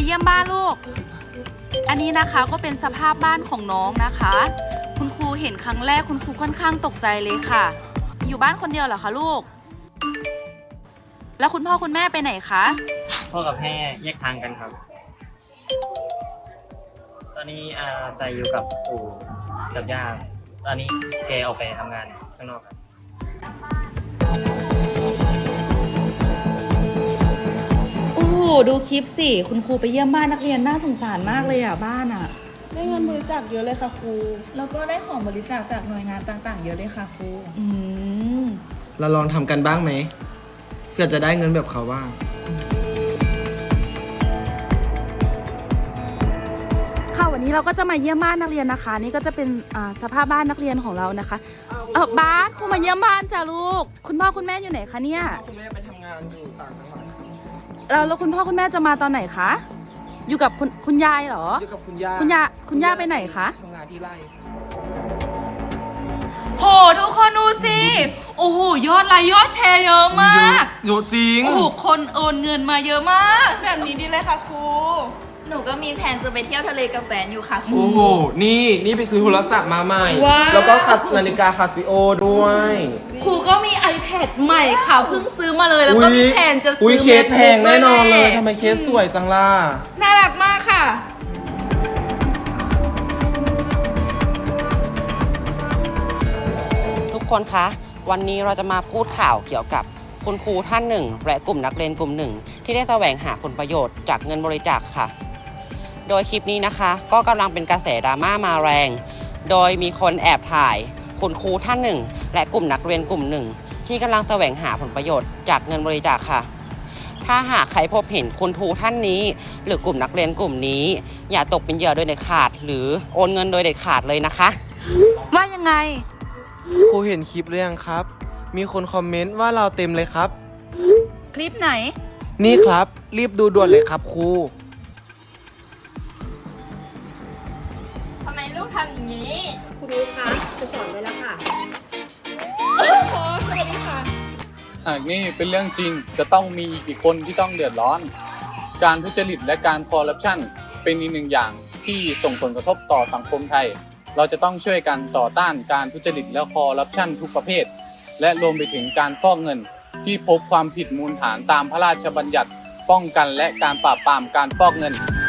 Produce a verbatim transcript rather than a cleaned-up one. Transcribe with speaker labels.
Speaker 1: เยี่ยมบ้านลูกอันนี้นะคะก็เป็นสภาพบ้านของน้องนะคะคุณครูเห็นครั้งแรกคุณครูค่อนข้างตกใจเลยค่ะอยู่บ้านคนเดียวเหรอคะลูกแล้วคุณพ่อคุณแม่ไปไหนคะ
Speaker 2: พ่อกับแม่แยกทางกันครับตอนนี้อาใส่อยู่กับปู่กับย่าตอนนี้แกออกไปทำงานข้างนอกครับ
Speaker 1: โอ้โหดูคลิปสิคุณครูไปเยี่ยมบ้านนักเรียนน่าสงสารมากเลยอ่ะบ้านอ่ะ
Speaker 3: ได้เงินบริจาคเยอะเลยค่ะครู
Speaker 4: แล้วก็ได้ของบริจาคจากหน่วยงานต่างๆเยอะเลยค่ะครู
Speaker 1: อืม
Speaker 5: เราลองทำกันบ้างไหมเพื่อจะได้เงินแบบเขาบ้าง
Speaker 1: ค่ะวันนี้เราก็จะมาเยี่ยมบ้านนักเรียนนะคะนี่ก็จะเป็นสภาพบ้านนักเรียนของเรานะคะเออบ้านครูมาเยี่ยมบ้านจ้ะลูกคุณพ่อคุณแม่อยู่ไหนคะเนี่ย
Speaker 5: คุณแม่ไปทำงานอยู่ต่างจังหวัดครับ
Speaker 1: แล้วแล้วคุณพ่อคุณแม่จะมาตอนไหนคะอยู่กับคุณคุณยายเหรอ
Speaker 5: อยู่กับคุณย่า
Speaker 1: คุณย่าคุณย่าไปไหนคะ
Speaker 5: ทำงานที่ไร่
Speaker 1: โหทุกคนดูสิโอ้โหยอดไลค์ยอดแชร์เยอะมาก
Speaker 5: เยอะจริง
Speaker 1: โอ้โหคนโอนเงินมาเยอะมาก
Speaker 3: แบบนี้ดีเลยค่ะครู
Speaker 4: หนูก็มีแผนจะไปเที่ยวทะเลกับแฟนอยู่ค่ะครู
Speaker 5: โอ้โหนี่นี่ไปซื้อโทรศัพท์มาใหม่แล้วก็นาฬิกาคาซิโอด้วย
Speaker 1: ครูก็มี iPad ใหม่ค่ะเพิ่งซื้อมาเลยแล้วก็มีแผนจะซื้อ
Speaker 5: อุ้ยเคสแพงแน่นอนเลยทำไมเคสสวยจังล่ะ
Speaker 1: น่ารักมากค่ะ
Speaker 6: ทุกคนคะวันนี้เราจะมาพูดข่าวเกี่ยวกับคุณครูท่านหนึ่งและกลุ่มนักเรียนกลุ่มหนึ่งที่ได้แสวงหาผลประโยชน์จากเงินบริจาคค่ะโดยคลิปนี้นะคะก็กำลังเป็นกระแสดราม่ามาแรงโดยมีคนแอบถ่ายคุณครูท่านหนึ่งและกลุ่มนักเรียนกลุ่มหนึ่งที่กำลังแสวงหาผลประโยชน์จากเงินบริจาคค่ะถ้าหากใครพบเห็นคุณครูท่านนี้หรือกลุ่มนักเรียนกลุ่มนี้อย่าตกเป็นเหยื่อโดยเด็ดขาดหรือโอนเงินโดยเด็ดขาดเลยนะคะ
Speaker 1: ว่ายังไง
Speaker 5: ครูเห็นคลิปหรือยังครับมีคนคอมเมนต์ว่าเราเต็มเลยครับ
Speaker 1: คลิปไหน
Speaker 5: นี่ครับรีบดูด่วนเลยครับครู
Speaker 4: ทำไมลูกทำอย่างนี้
Speaker 3: ครูคะจะสอนเลยละค่ะพอสวัสดีค่ะ
Speaker 7: หากนี่เป็นเรื่องจริงจะต้องมีอีกคนที่ต้องเดือดร้อนการทุจริตและการคอร์รัปชันเป็นอีกหนึ่งอย่างที่ส่งผลกระทบต่อสังคมไทยเราจะต้องช่วยกันต่อต้านการทุจริตและคอร์รัปชันทุกประเภทและรวมไปถึงการฟอกเงินที่พบความผิดมูลฐานตามพระราชบัญญัติป้องกันและการปราบปรามการฟอกเงิน